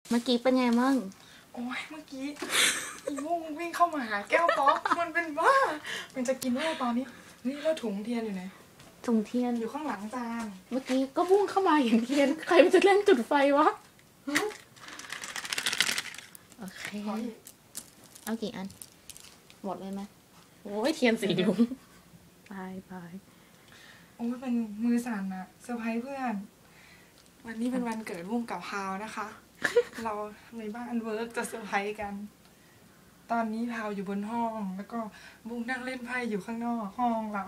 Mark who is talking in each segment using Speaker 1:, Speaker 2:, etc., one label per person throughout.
Speaker 1: เมื่อกี้เป็นไงมั่ง
Speaker 2: โอ้ยเมื่อกี้อีโม่งวิ่งเข้ามาหาแก้วป๊อกมันเป็นบ้ามันจะกินเหล้าตอนนี้นี่แล้วถุงเทียนอยู่ไหน
Speaker 1: ถุงเทียน
Speaker 2: อยู่ข้างหลังจาน
Speaker 1: เมื่อกี้ก็พุ่งเข้ามาอย่างเทียนใครมันจะเล่นจุดไฟวะโอเคเอากี่อันหมดเลยไหมโอ้ยเทียนสีลุงตาย
Speaker 2: โอ้ยเป็นมือสั่นอะเซอร์ไพรส์เพื่อนวันนี้เป็นวันเกิดบุ้งกับพาวนะคะ เราในบ้านเวิร์กจะเซอร์ไพรส์กันตอนนี้พาวอยู่บนห้องแล้วก็บุ้งนั่งเล่นไพ่อยู่ข้างนอกห้องเรา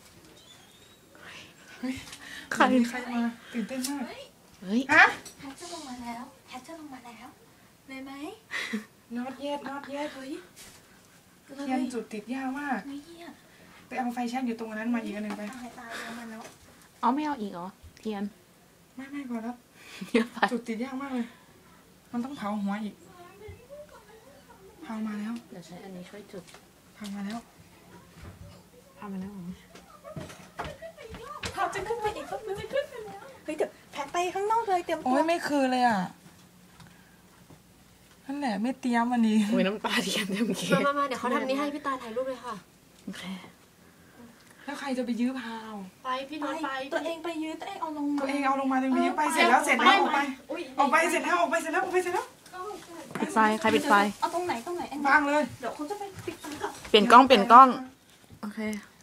Speaker 2: ใครมาตื่นเต้นมาก
Speaker 1: เฮ้ย
Speaker 2: ฮะ
Speaker 3: แฮชจะลงมาแล้วเลยไหม
Speaker 2: น็อตเย็ด
Speaker 3: เฮ้ย
Speaker 2: เทียนจุดติดยากมากไปเอาไฟแช็กอยู่ตรงนั้นมาอีกอันหนึ่งไป
Speaker 3: ตายแล้วมันแล้ว
Speaker 1: เอาไม่เอาอีกเหรอเทียน
Speaker 2: ไม่พอแล้วจุดติดยากมากเลยมันต้องเผาหัวอีกเผามาแล้ว
Speaker 1: เดี๋ยวใช้อันนี้ช่วยจุด
Speaker 2: เผามาแล้ว
Speaker 3: พาจะขึ้นไปอีกก็ไม่ขึ้นไปแล้วเฮ้ยเดี๋ยวแพทไปข้างนอกเลยเตรียม
Speaker 2: โอ้ยไม่คือเลยอ่ะนั่นแหละไม่เตรียมอันนี้
Speaker 1: โอ้ยน้ำตาเทียนเต็มเค้ก
Speaker 3: มาเดี๋ยวเขาทำนี้ให้พี่ตาถ่ายรูปเลยค่ะ
Speaker 1: โอเค
Speaker 2: แล้วใครจะไปยื้อพาว
Speaker 3: ไปพี่น้องไปตัวเองไปยื้อตัวเองเอาลงมา
Speaker 2: ตัวเองเอาลงมาตัวเองไปยื้อไปเสร็จแล้วออกไปเสร็จแล้ว
Speaker 1: ปิดไฟใครปิดไฟ
Speaker 3: เอาตรงไหน
Speaker 2: วางเลย
Speaker 3: เดี๋ยวเขาจะไปปิดไฟก่อน
Speaker 1: เปลี่ยนกล้องโอเค